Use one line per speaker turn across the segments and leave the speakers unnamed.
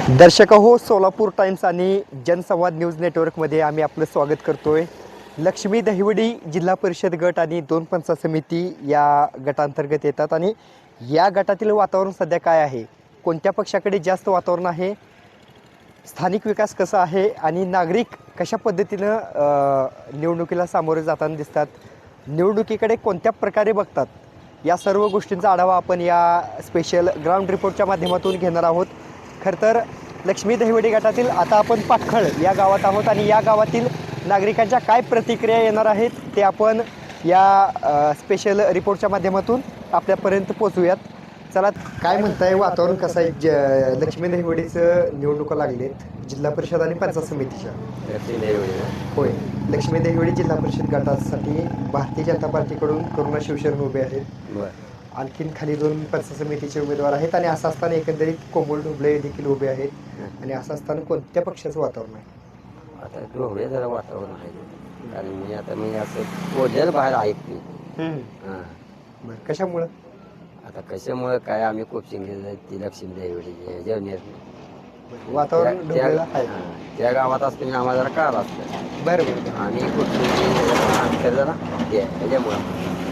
दर्शक हो, सोलापूर टाइम्स आणि जनसंवाद न्यूज नेटवर्कमध्ये आम्ही आपलं स्वागत करतोय. लक्ष्मी दहिवडी जिल्हा परिषद गट आणि 2 पंचायत समिती या गटांतर्गत येतात आणि या गटातील वातावरण सध्या काय आहे, कोणत्या पक्षाकडे जास्त वातावरण आहे, स्थानिक विकास कसा आहे आणि नागरिक कशा पद्धतीनं निवडणुकीला सामोरे जाताना दिसतात, निवडणुकीकडे कोणत्या प्रकारे बघतात, या सर्व गोष्टींचा आढावा आपण या स्पेशल ग्राउंड रिपोर्टच्या माध्यमातून घेणार आहोत. खरं तर लक्ष्मी दहिवडी गटातील आता आपण पाटखळ या गावात आहोत आणि या गावातील नागरिकांच्या काय प्रतिक्रिया येणार आहेत ते आपण या स्पेशल रिपोर्टच्या माध्यमातून आपल्यापर्यंत पोचवूयात. चला, काय म्हणताय, वातावरण कसं आहे? लक्ष्मी दहिवडीचं निवडणुका लागलेत जिल्हा परिषद आणि पंचायत समितीच्या. होय, लक्ष्मी दहिवडी जिल्हा परिषद गटासाठी भारतीय जनता पार्टीकडून करुणा शिवशरण उभे आहेत. आणखीन खाली 2 पंचायत समितीचे उमेदवार आहेत आणि असं असताना एकंदरीत कोमल ढोबळे देखील उभे आहेत. आणि असं असताना कोणत्या पक्षाचं वातावरण आहे?
आता ढोबळे जरा वातावरण आहे, कारण मी असं बोललेलं बाहेर ऐकते.
बरं, कशामुळं?
आता कशामुळे काय, आम्ही कोचिंग ती लक्ष्मी देवडी जेवणे
वातावरण ढोबळेला आहे.
त्या गावात असताना आम्हाला जरा काळ असतं.
बरं बरं.
आणि कोचिंग जरा त्याच्यामुळं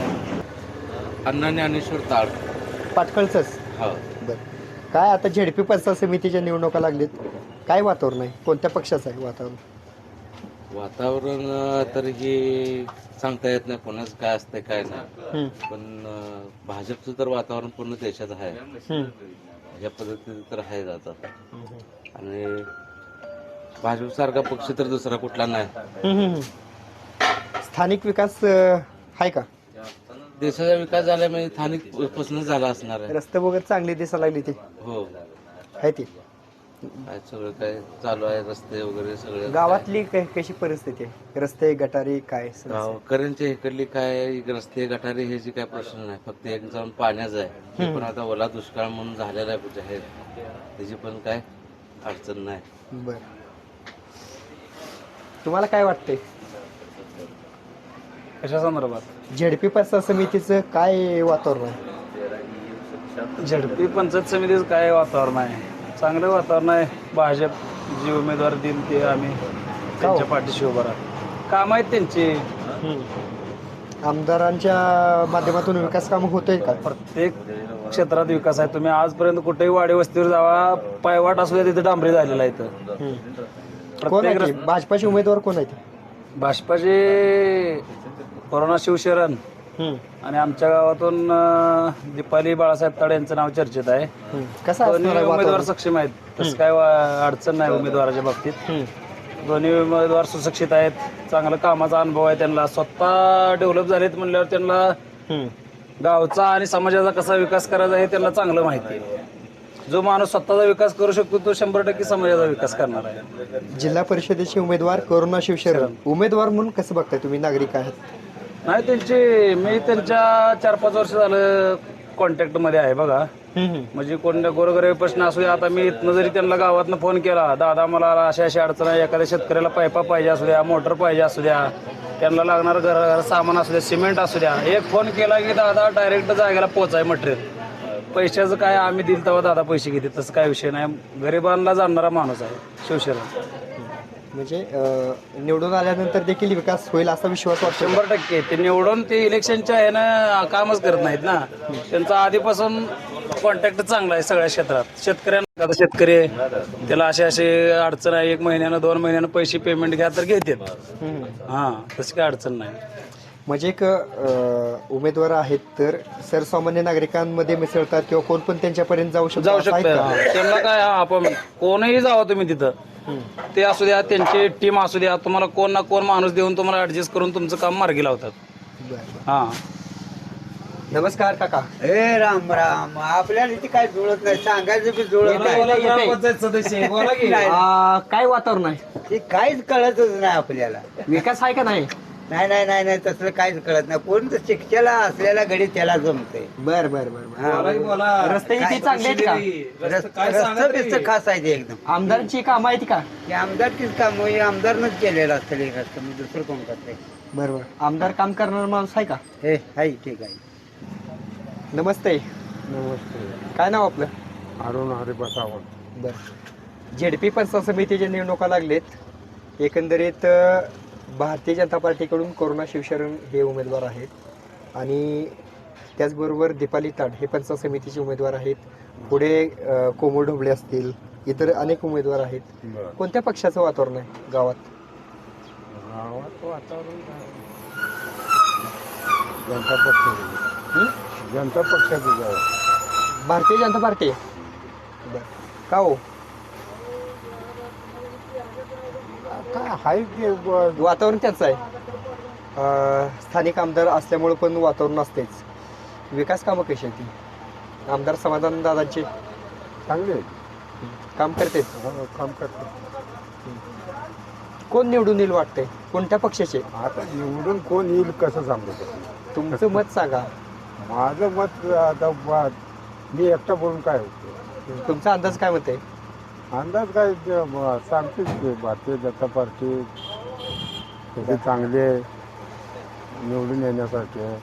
अण्णा ज्ञानेश्वर ताळ.
पाटखळचंच?
हो.
बरं, काय आता झेडपी पंचायत समितीच्या निवडणुका लागलेत, काय वातावरण आहे, कोणत्या पक्षाचं आहे वातावरण?
वातावरण तर हे सांगता येत नाही कोणाच काय असतंय काय नाही, पण भाजपचं तर वातावरण पूर्ण देशात आहे. ह्या पद्धतीने तर आहे आता. आणि भाजप सारखा पक्ष तर दुसरा कुठला नाही.
स्थानिक विकास आहे का?
देशाचा विकास झाला म्हणजे स्थानिक पासूनच झाला असणार आहे.
रस्ते वगैरे चांगली दिसायला लागली ती
हो,
आहे ती.
काय सगळं काय चालू आहे, रस्ते वगैरे सगळे.
गावातली कशी परिस्थिती आहे, रस्ते गटारी काय?
गावकऱ्यांच्या इकडली काय रस्ते गटारी हे जे काय प्रश्न नाही, फक्त एक जाऊन पाण्याचं आहे. ते पण आता ओला दुष्काळ म्हणून झालेला आहे जाहीर, त्याची पण काय अडचण नाही.
बर, तुम्हाला काय वाटतंय
कशा संदर्भात?
झेडपी पंचायत समितीचं काय वातावरण आहे?
झडपी पंचायत समितीचं काय वातावरण आहे? चांगलं वातावरण आहे. भाजप जे उमेदवार देईल ते आम्ही त्यांच्या पाठीशी उभं राहतो. काम आहेत त्यांची.
आमदारांच्या माध्यमातून विकास कामं होतोय का?
प्रत्येक क्षेत्रात विकास आहे. तुम्ही आजपर्यंत कुठेही वाडी वस्तीवर जावा, पायवाट असू द्या, तिथे डांबरी झालेला आहे.
कोण आहे
प्रत्येक
ते? भाजपाचे उमेदवार कोण आहेत?
भाजपाचे करुणा शिवशरण आणि आमच्या गावातून दीपाली बाळासाहेब ताडे यांचं नाव चर्चेत आहे.
कसं
दोन्ही
असणार आहे
उमेदवार
वातावरण?
सक्षम आहेत, तसं काय अडचण नाही उमेदवाराच्या बाबतीत. दोन्ही उमेदवार सुशिक्षित आहेत, चांगलं कामाचा अनुभव आहे त्यांना, स्वतः डेव्हलप झालेत म्हणल्यावर त्यांना गावचा आणि समाजाचा कसा विकास करायचा हे त्यांना चांगलं माहिती आहे. जो माणूस स्वतःचा विकास करू शकतो तो 100% समाजाचा विकास करणार आहे.
जिल्हा परिषदेचे उमेदवार करुणा शिवशरण उमेदवार म्हणून कसं बघताय तुम्ही, नागरिक आहेत?
नाही, मी त्यांच्या 4-5 वर्ष झालं कॉन्टॅक्ट मध्ये आहे बघा. म्हणजे कोणत्या गोरगरीब प्रश्न असू द्या, आता मी इथनं जरी त्यांना गावातनं फोन केला, दादा मला अशा अडचण आहे, एखाद्या शेतकऱ्याला पायपा पाहिजे असू द्या, मोटर पाहिजे असू द्या, त्यांना लागणार घर सामान असू द्या, सिमेंट असू द्या, एक फोन केला की दादा डायरेक्ट जागेला पोहोचाय मटेरियल. पैशाचं काय आम्ही दिल तेव्हा दादा पैसे घेते, तसं काय विषय नाही. गरिबांना जाणणारा माणूस आहे शिवशरण.
म्हणजे निवडून आल्यानंतर देखील विकास होईल असा विश्वास वाटतो?
100%. ते निवडून ते इलेक्शनच्या आहे ना कामच करत नाहीत ना. त्यांचा आधीपासून कॉन्टॅक्ट चांगला आहे सगळ्या क्षेत्रात. शेतकऱ्यांना, आता शेतकरी आहे त्याला असे अडचण आहे, 1 महिन्यानं 2 महिन्यानं पैसे पेमेंट घ्या तर घेतात. हां, तशी काय अडचण नाही.
म्हणजे एक उमेदवार आहेत तर सर्वसामान्य नागरिकांमध्ये मिसळतात किंवा कोण पण त्यांच्यापर्यंत जाऊ शकतो?
त्यांना काय, आपण कोणही जावा तुम्ही तिथं, ते असू द्या, त्यांची टीम असू द्या, तुम्हाला कोण ना कोण माणूस देऊन तुम्हाला ऍडजस्ट करून तुमचं काम मार्गी लावतात. हा,
नमस्कार काका.
राम राम. आपल्याला इथे काय जुळत नाही, सांगायचं बी जुळत नाही.
काय वातावरण आहे?
ते काहीच कळतच नाही आपल्याला.
विकास आहे का नाही?
नाही नाही नाही नाही, तसलं काहीच कळत नाही. कोण तर शिक्षेला असलेला गडी त्याला जमतंय.
बर बर बर. रस्ते इथे चांगले आहेत का?
रस्ता बिस्तं खास आहे ते एकदम.
आमदारांची कामं आहेत का?
हे आमदारकीच काम आमदारनंच केलेलं असतं हे रस्ता, मी दुसरं कोण करते.
बरोबर. आमदार काम करणारा माणूस आहे का?
हे आहे, ठीक आहे.
नमस्ते.
नमस्ते.
काय नाव आपलं?
अरुण हरिप्रसाद.
बर, झेडपी पंचायत समितीच्या निवडणुका लागलेत. एकंदरीत भारतीय जनता पार्टीकडून करुणा शिवशरण हे उमेदवार आहेत आणि त्याचबरोबर दीपाली ताड हे पंचायत समितीचे उमेदवार आहेत. पुढे कोमल ढोबळे असतील, इतर अनेक उमेदवार आहेत. कोणत्या पक्षाचं वातावरण आहे गावात?
गावात वातावरण जनता पक्ष, जनता पक्षाचं गाव.
भारतीय जनता पार्टी. का हो?
काय आहे ते
वातावरण त्याचं आहे. स्थानिक आमदार असल्यामुळे पण वातावरण असतेच. विकास कामं कशी आहेत ती? आमदार समाधान दादांचे
चांगले
काम करते.
काम करतात.
कोण निवडून येईल वाटतंय? कोणत्या पक्षाचे?
आता निवडून कोण येईल कसं सांगू
तुमचं मत सांगा.
माझं मत आता मी एकटा बोलून काय होतं.
तुमचा अंदाज काय मत आहे?
अंदाज काय सांगतेच की भारतीय जनता पार्टी तसे चांगले निवडून येण्यासाठी आहे.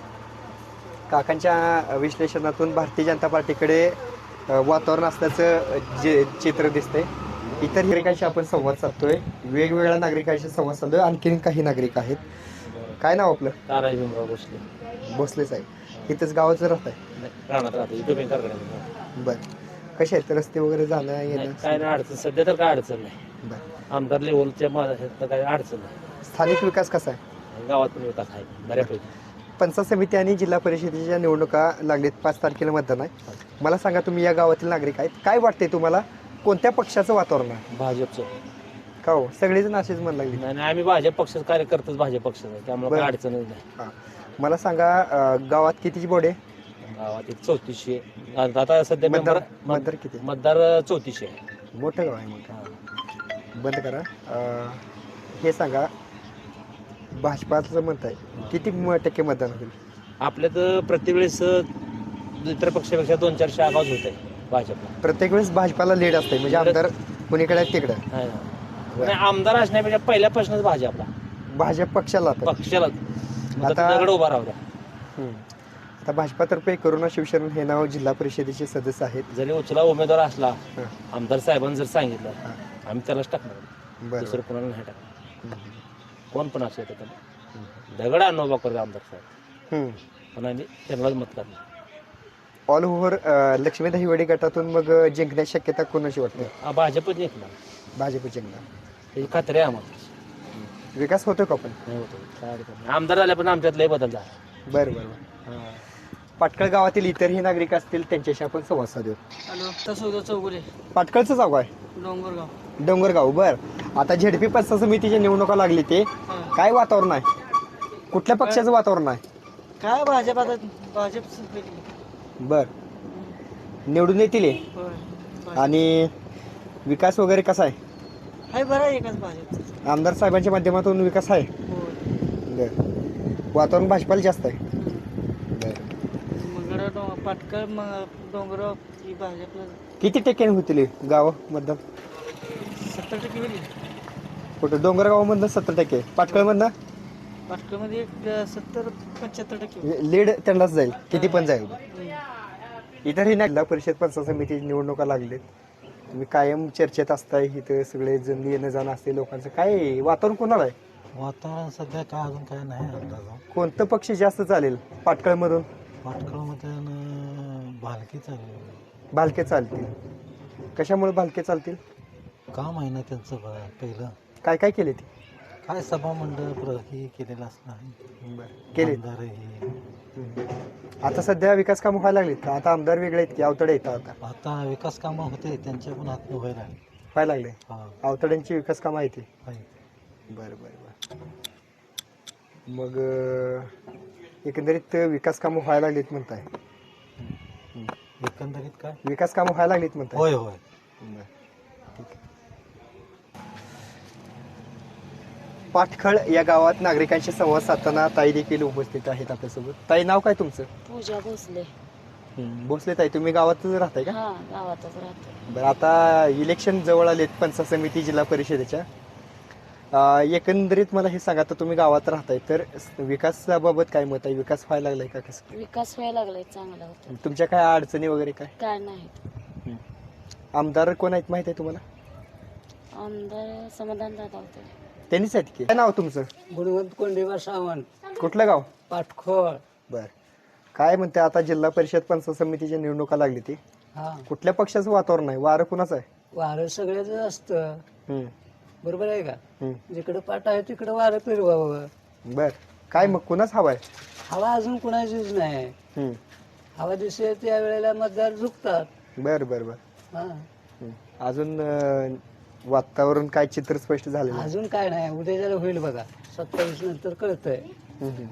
काकांच्या विश्लेषणातून भारतीय जनता पार्टीकडे वातावरण असल्याचं जे चित्र दिसतंय. इतर नागरिकांशी आपण संवाद साधतोय, वेगवेगळ्या नागरिकांशी संवाद साधतोय. आणखीन काही नागरिक आहेत. काय नाव आपलं?
ताराजी भीमराव भोसले.
भोसलेच आहे. इथंच गावाचं राहत आहे.
राहणार राहतो इथं बेकार करायचं.
बरं. कसे आहेत रस्ते वगैरे जाणं येणं?
काय नाही अडचण, सध्या तर काय अडचण नाही.
बरं.
आमदार लेवलच्या माझ्या काय अडचण नाही.
स्थानिक विकास कसा आहे?
गावात पण विकास आहे बऱ्यापैकी.
पंचायत समिती आणि जिल्हा परिषदेच्या निवडणुका लागलेत. 5 तारखेला मतदान आहे. मला सांगा, तुम्ही या गावातील नागरिक आहेत, काय वाटते तुम्हाला? कोणत्या पक्षाचं वातावरण आहे?
भाजपचं.
का हो? सगळेजण असेच म्हण लागले.
नाही नाही, आम्ही भाजप पक्षाचे कार्यकर्तेच भाजप पक्षाचा आहे, त्यामुळे काय अडचणच नाही.
हां. मला सांगा, गावात कितीची बोर्ड आहे?
गावात एक 3400 आता सध्या
मतदार
member-
मतदार किती?
मतदार 3400 आहे.
मोठं गाव आहे. मोठं. बंद करा. हे सांगा, भाजपाचं मत आहे, किती टक्के मतदान होईल?
आपल्या तर प्रत्येक वेळेस इतर पक्षापेक्षा 2-4 आवाज होत आहे भाजपला.
प्रत्येक वेळेस भाजपाला लीड असते, म्हणजे आमदार कोणीकडे आहे तिकडे.
आहे ना. नाही, आमदार असण्यापेक्षा पहिल्यापासूनच भाजपला
भाजप पक्षाला आता.
पक्षाला
आता-
दगड उभा राहू द्या.
आता भाजपातर्फे करुणा शिवशरण हे नाव जिल्हा परिषदेचे सदस्य आहेत.
जरी उचला उमेदवार असला,
हां.
आमदार साहेबांनी जर सांगितलं,
हां.
आम्ही त्यालाच टाकणार.
बरं.
दुसरं कोणाला नाही टाकणार. कोण पण असू येतं त्याला दगड आणून उभा करू आमदार साहेब, पण आम्ही त्यांनाच मत करणार.
ऑल ओव्हर लक्ष्मी दहिवडी गटातून मग जिंकण्याची शक्यता कोणाची वाटते?
भाजपच जिंकणार,
भाजप जिंकणार.
त्याची खात्री आहे आम्हाला.
विकास होतो का पण?
नाही होतो, काय अडचण नाही. आमदार झाले पण आमच्यात लय बदल झाला.
बरं बरं बरं. पाटकळ गावातील इतरही नागरिक असतील, त्यांच्याशी आपण संवाद साधू.
हॅलो, तसं चौगुले,
पाटकळचं गाव आहे
डोंगरगाव.
डोंगरगाव. बर. आता झेडपी पंचायत समितीच्या निवडणुका लागली, ते काय वातावरण आहे? कुठल्या पक्षाचं वातावरण आहे?
काय भाजप, आता भाजप
बर. निवडून येतील हे? आणि विकास वगैरे कसा आहे?
हाय बरं आहे एकाच भाजप.
आमदार साहेबांच्या माध्यमातून विकास आहे. बर. वातावरण भाजपाला जास्त आहे. बर.
मग पाटकळ डोंगरगाव ही भाजपला
किती टक्के होतील हे गाव मतदान?
70% होईल.
कुठं? डोंगरगावमधनं 70%, पाटकळमधनं
पाटकळमध्ये एक 70-75% होईल.
लीड त्यांनाच जाईल, किती पण जाईल. इतरही नाही. जिल्हा परिषद पंचायत समितीची निवडणुका लागलेत. तुम्ही कायम चर्चेत असताय, इथं सगळे जण येणं जाणं असते लोकांचं. काय वातावरण कोणाला आहे?
वातावरण सध्या काय अजून काय नाही अंदाज.
कोणतं पक्ष जास्त चालेल पाटकळमधून?
पाटकळमध्ये भालकी चालू
भालके चालतील. कशामुळे भालके चालतील?
काम आहे ना त्यांचं पहिलं.
काय काय केले ते?
काय सभा मंडळ हे केलेलं असणार
केले. आता सध्या विकास कामं व्हायला लागलीत. आता आमदार वेगळे आहेत की अवतडे येतात?
आता विकास कामं होते त्यांच्या पण हात व्हायला
व्हायला लागले.
हा
अवतड्यांची विकास कामं आहेत ते.
आहे.
बरं बरं बरं. मग एकंदरीत विकास कामं व्हायला लागलीत म्हणताय?
एकंदरीत काय
विकास कामं व्हायला लागलीत म्हणताय?
होय होय.
बरं. ठीक आहे. पाटखळ या गावात नागरिकांशी संवाद साधताना ताई देखील उपस्थित आहेत आपल्यासोबत. ताई, नाव काय तुमचं?
पूजा भोसले.
भोसले ताई, तुम्ही गावातच राहताय का?
हा, गावातच राहते.
बरं. आता इलेक्शन जवळ आलेत पंचायत समिती जिल्हा परिषदेच्या. एकंदरीत मला हे सांगा, तर तुम्ही गावात राहताय, तर विकासाबाबत काय मत आहे? विकास व्हायला लागलाय का? कसं
विकास व्हायला लागलाय, चांगला होता.
तुमच्या काय अडचणी वगैरे काय?
काय नाही.
आमदार कोण आहेत माहिती आहे तुम्हाला?
आमदार समाधान दादा होते.
त्यांनीच आहेत की. काय नाव तुमचं?
गुणवंत कोंडेवा सावंत,
कुठलं गाव?
पाटखोळ.
बर. काय म्हणते आता जिल्हा परिषद पंचायत समितीच्या निवडणुका लागली ती,
हा,
कुठल्या पक्षाचं वातावरण आहे? वारं कुणाचं आहे?
वारं सगळ्याच असतं,
हम्म,
बरोबर आहे का?
हम्म.
जिकडं पाट आहे तिकडं वारं फिरवावं.
बर. काय मग कुणाच हवा आहे?
हवा अजून कुणाचीच नाही.
हम्म.
हवा दिसे त्या वेळेला मतदार झुकतात.
बर बर बर.
हा,
हम्म. अजून वातावरण काय चित्र स्पष्ट झालेलं आहे?
अजून काय नाही, उद्या जरा होईल बघा, 27 नंतर कळतंय.
हम्म, हम्म.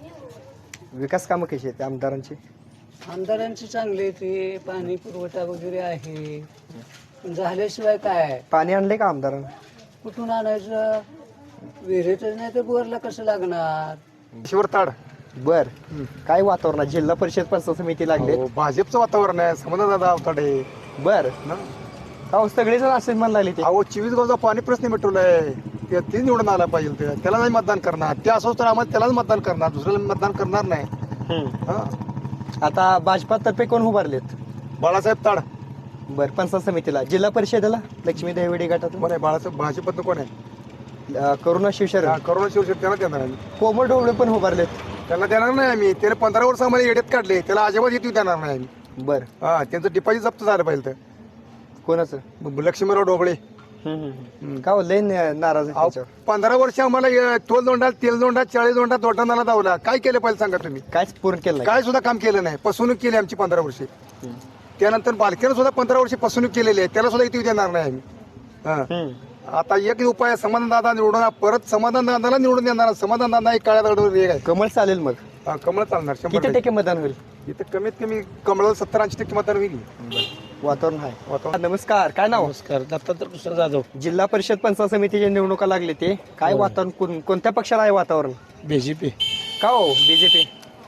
विकास कामं कशी आहेत आमदारांची?
आमदारांची चांगली आहे ती, पाणी पुरवठा वगैरे आहे, पण झाल्याशिवाय काय?
पाणी आणलंय का आमदारांना?
कुठून आणायचं? विहिरीतच नाही तर बोरला कसं लागणार?
शिवरताड
बर. काय वातावरण आहे? जिल्हा परिषद पंचायत समिती लागले.
भाजपचं वातावरण आहे. समाधान दादा अवताडे.
बर. का सगळेजण असेच म्हणाले ते?
अहो 24 गावचा पाणी प्रश्न मिटवलाय. ते निवडून आला पाहिजे. त्याला नाही मतदान करणार. ते असो तर आम्हाला त्यालाच मतदान करणार, दुसऱ्याला मतदान करणार नाही.
हम्म.
हा.
आता भाजपातर्फे कोण उभारलेत?
बाळासाहेब ताड
बर. पंचायत समितीला जिल्हा परिषदेला लक्ष्मी देवडी गटातून
कोण आहे? बाळासाहेब भाजपतनं कोण आहे?
करुणा शिवशरण,
करोना शिवसेना त्याला देणार आम्ही.
कोमल ढोबळे पण उभारलेत.
त्याला देणार नाही आम्ही. त्याला 15 वर्ष आम्हाला येड्यात काढले. त्याला अजिबात येऊ देणार नाही आम्ही.
बर.
हा, त्यांचं डिपॉझिट जप्त झालं पाहिजे.
कोणाचं?
तर लक्ष्मीराव ढोबळे.
का हो, लय नाराज आहे
अहो,
त्याच्यावर.
15 वर्ष आम्हाला तोल दोंडा, तेल दोंडा, 40 दोंडा दोटांना दावला. काय केलं पाहिजे सांगा तुम्ही?
काहीच पूर्ण केलं नाही.
काय सुद्धा काम केलं नाही. फसवणूक केली आमची 15 वर्षे. त्यानंतर बालकेनं सुद्धा 15 वर्षे फसवणूक केलेली आहे. त्याला सुद्धा इथे देणार नाही आम्ही. हा.
हम्म.
आता एक उपाय आहे, समाधान दादा निवडून परत समाधान दादाला निवडून देणार. समाधान दादा एक काळ्या दगडावर रेग आहे.
कमळ चालेल मग.
हा, कमळ चालणार 100%.
किती टक्के मतदान होईल?
इथं कमीत कमी कमळ 70-80% मतदान होईल.
वातावरण आहे.
वातावरण.
नमस्कार. काय नाव?
नमस्कार, दत्तात्रय कृष्ण जाधव,
जिल्हा परिषद पंचायत समितीच्या निवडणुका लागले ते काय वातावरण? कोणत्या पक्षाला आहे वातावरण?
बीजेपी.
का हो बीजेपी?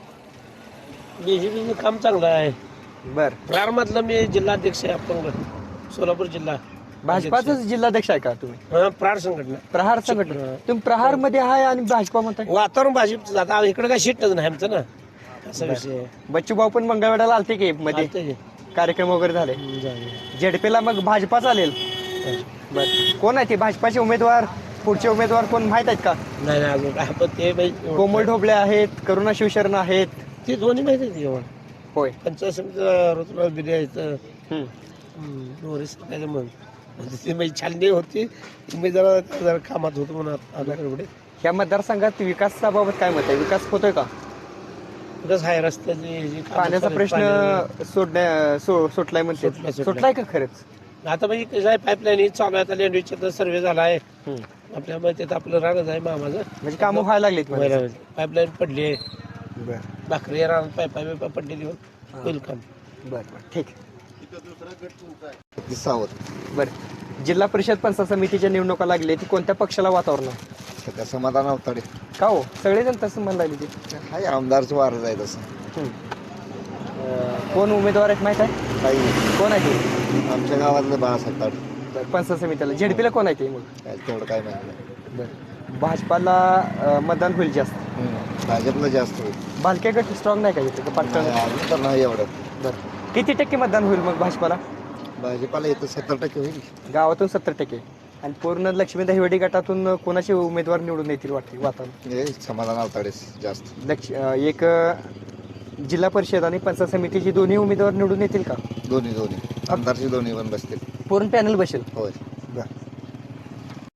बीजेपीचं काम चांगलं आहे.
बर.
प्रारमधलं मी जिल्हाध्यक्ष आहे आपण सोलापूर जिल्हा.
भाजपाचाच जिल्हाध्यक्ष आहे का तुम्ही?
प्रार संघटना.
प्रहार संघटना. तुम्ही प्रहार मध्ये आहे आणि भाजपा म्हणताय?
वातावरण भाजपचं आता इकडे काय शिटच नाही आमचं ना, असा विषय आहे.
बच्चू भाऊ पण मंगळवेढ्याला आलते की मध्ये
आता हे
कार्यक्रम वगैरे झाले. झेडपीला मग भाजपा चालेल. बर. कोण आहे ते भाजपाचे उमेदवार? पुढचे उमेदवार कोण माहित आहेत का?
नाही नाही अजून काय, पण ते
कोमल ढोबळे आहेत, करुणा शिवशरण आहेत.
ते दोन्ही माहिती आहे एवढं.
होय.
पंचायत समितीचा ऋतुराज बिर्या आहेत.
हम्म.
नोरीस काय म्हण ती माझी छाननी होती. मी जरा कामात होतो म्हणून आपल्याकडे.
ह्या मतदारसंघात विकासाबाबत काय मत आहे? विकास होतोय का?
कसं आहे रस्त्याची जी कामं
पाण्याचा
चालू आहेत,
प्रश्न सुटलाय म्हणते.
सुटलाय.
सुटलाय का खरंच?
आता म्हणजे कसं आहे, पाईपलाईन चालू आहे. आता लेंडवीचा सर्वे झाला आहे आपल्या मध्ये. आपलं राहणं आहे मामाचं,
म्हणजे कामं व्हायला लागलीत.
पाईपलाईन पडली आहे.
बर
भाकरी राहणार पाईपा पडलेली होईल काम.
बर बर. ठीक. बर. जिल्हा परिषद पंचायत समितीच्या निवडणुका लागली ती कोणत्या पक्षाला वातावरण आहे?
सध्या समाधान अवताडे.
का हो सगळेजण तसं म्हणाले ते?
हाय आमदारचं वारं आहे तसं.
कोण उमेदवार आहेत माहित आहे?
काही
कोण आहे ते?
आमच्या गावातलं बाळासाहेब ताड.
बरं. पंचायत समितीला झेडपीला कोण आहे ते मग?
काय तेवढं काय माहिती नाही.
बरं. भाजपाला मतदान होईल जास्त.
भाजपला जास्त होईल.
भालके गट स्ट्रॉंग नाही का इथे? पाटण.
अजून तर नाही एवढं.
बरं. किती टक्के मतदान होईल मग भाजपाला?
भाजपाला येतं 70% होईल.
गावातून 70%. आणि पूर्ण लक्ष्मी दहिवडी गटातून कोणाचे उमेदवार निवडून येतील वाटते वातावरण?
हे समाधान अवताडेच जास्त.
एक जिल्हा परिषद आणि पंचायत समितीची दोन्ही उमेदवार निवडून येतील का?
दोन्ही आमदारची दोन्ही पण बसतील.
पूर्ण पॅनल बसेल.
होय.
बरं.